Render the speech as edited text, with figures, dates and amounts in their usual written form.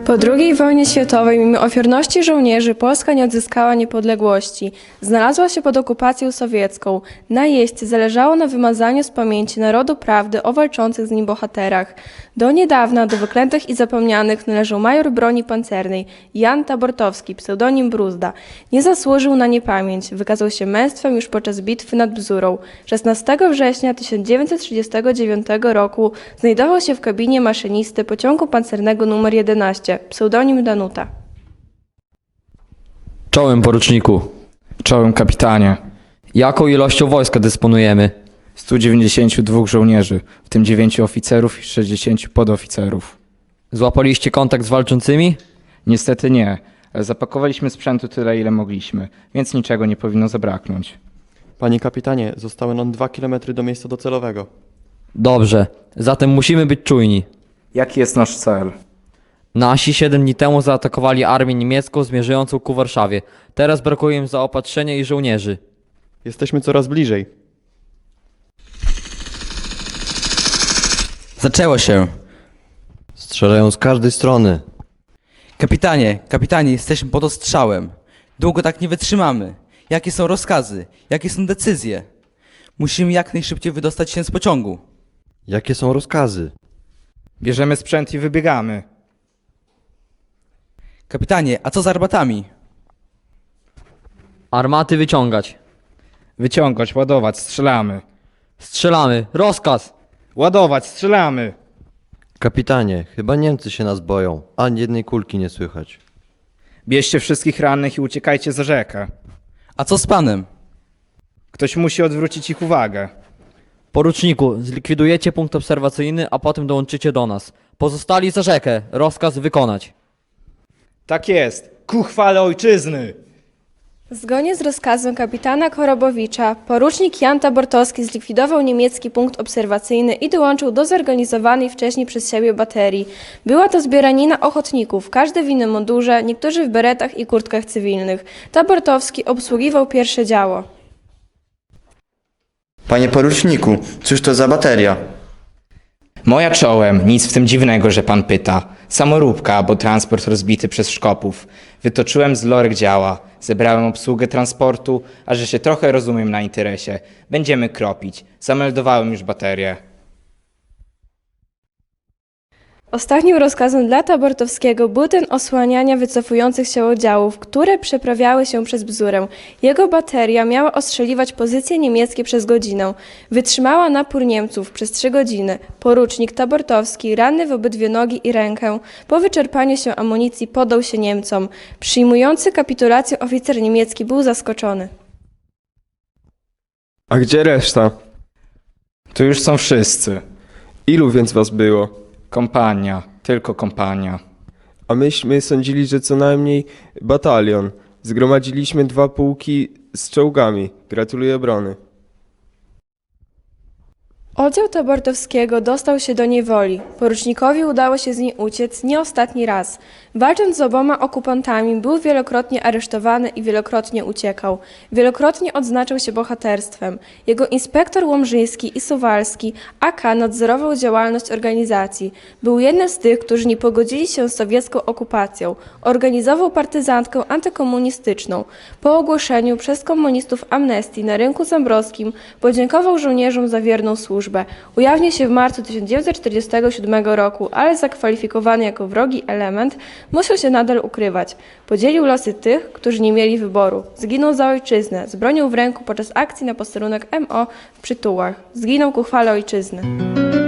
Po II wojnie światowej, mimo ofiarności żołnierzy, Polska nie odzyskała niepodległości. Znalazła się pod okupacją sowiecką. Najeźdźcy zależało na wymazaniu z pamięci narodu prawdy o walczących z nim bohaterach. Do niedawna do wyklętych i zapomnianych należał major broni pancernej Jan Tabortowski, pseudonim Bruzda. Nie zasłużył na niepamięć. Wykazał się męstwem już podczas bitwy nad Bzurą. 16 września 1939 roku znajdował się w kabinie maszynisty pociągu pancernego nr 11, pseudonim Danuta. Czołem, poruczniku. Czołem, kapitanie. Jaką ilością wojska dysponujemy? 192 żołnierzy, w tym 9 oficerów i 60 podoficerów. Złapaliście kontakt z walczącymi? Niestety nie, ale zapakowaliśmy sprzętu tyle, ile mogliśmy, więc niczego nie powinno zabraknąć. Panie kapitanie, zostały nam 2 km do miejsca docelowego. Dobrze, zatem musimy być czujni. Jaki jest nasz cel? Nasi 7 dni temu zaatakowali armię niemiecką zmierzającą ku Warszawie. Teraz brakuje im zaopatrzenia i żołnierzy. Jesteśmy coraz bliżej. Zaczęło się. Strzelają z każdej strony. Kapitanie, jesteśmy pod ostrzałem. Długo tak nie wytrzymamy. Jakie są rozkazy? Jakie są decyzje? Musimy jak najszybciej wydostać się z pociągu. Jakie są rozkazy? Bierzemy sprzęt i wybiegamy. Kapitanie, a co z armatami? Armaty wyciągać. Wyciągać, ładować, strzelamy. Strzelamy. Rozkaz! Ładować, strzelamy. Kapitanie, chyba Niemcy się nas boją. Ani jednej kulki nie słychać. Bierzcie wszystkich rannych i uciekajcie za rzekę. A co z panem? Ktoś musi odwrócić ich uwagę. Poruczniku, zlikwidujecie punkt obserwacyjny, a potem dołączycie do nas. Pozostali za rzekę. Rozkaz wykonać. Tak jest. Ku chwale ojczyzny! Zgodnie z rozkazem kapitana Korobowicza, porucznik Jan Tabortowski zlikwidował niemiecki punkt obserwacyjny i dołączył do zorganizowanej wcześniej przez siebie baterii. Była to zbieranina ochotników, każdy w innym mundurze, niektórzy w beretach i kurtkach cywilnych. Tabortowski obsługiwał pierwsze działo. Panie poruczniku, cóż to za bateria? Moja czołem, nic w tym dziwnego, że pan pyta. Samoróbka albo transport rozbity przez Szkopów. Wytoczyłem z lorek działa, zebrałem obsługę transportu, a że się trochę rozumiem na interesie. Będziemy kropić. Zameldowałem już baterię. Ostatnim rozkazem dla Tabortowskiego był ten osłaniania wycofujących się oddziałów, które przeprawiały się przez Bzurę. Jego bateria miała ostrzeliwać pozycje niemieckie przez godzinę. Wytrzymała napór Niemców przez 3 godziny. Porucznik Tabortowski, ranny w obydwie nogi i rękę, po wyczerpaniu się amunicji poddał się Niemcom. Przyjmujący kapitulację oficer niemiecki był zaskoczony. A gdzie reszta? Tu już są wszyscy. Ilu więc was było? Kompania, tylko kompania. A myśmy sądzili, że co najmniej batalion. Zgromadziliśmy 2 pułki z czołgami. Gratuluję obrony. Oddział Tabortowskiego dostał się do niewoli. Porucznikowi udało się z niej uciec nie ostatni raz. Walcząc z oboma okupantami, był wielokrotnie aresztowany i wielokrotnie uciekał. Wielokrotnie odznaczał się bohaterstwem. Jego inspektor Łomżyński i Suwalski AK nadzorował działalność organizacji. Był jednym z tych, którzy nie pogodzili się z sowiecką okupacją. Organizował partyzantkę antykomunistyczną. Po ogłoszeniu przez komunistów amnestii na rynku Zambrowskim podziękował żołnierzom za wierną służbę. Ujawnił się w marcu 1947 roku, ale zakwalifikowany jako wrogi element, musiał się nadal ukrywać. Podzielił losy tych, którzy nie mieli wyboru. Zginął za ojczyznę, z bronią w ręku podczas akcji na posterunek MO w Przytułach. Zginął ku chwale ojczyzny.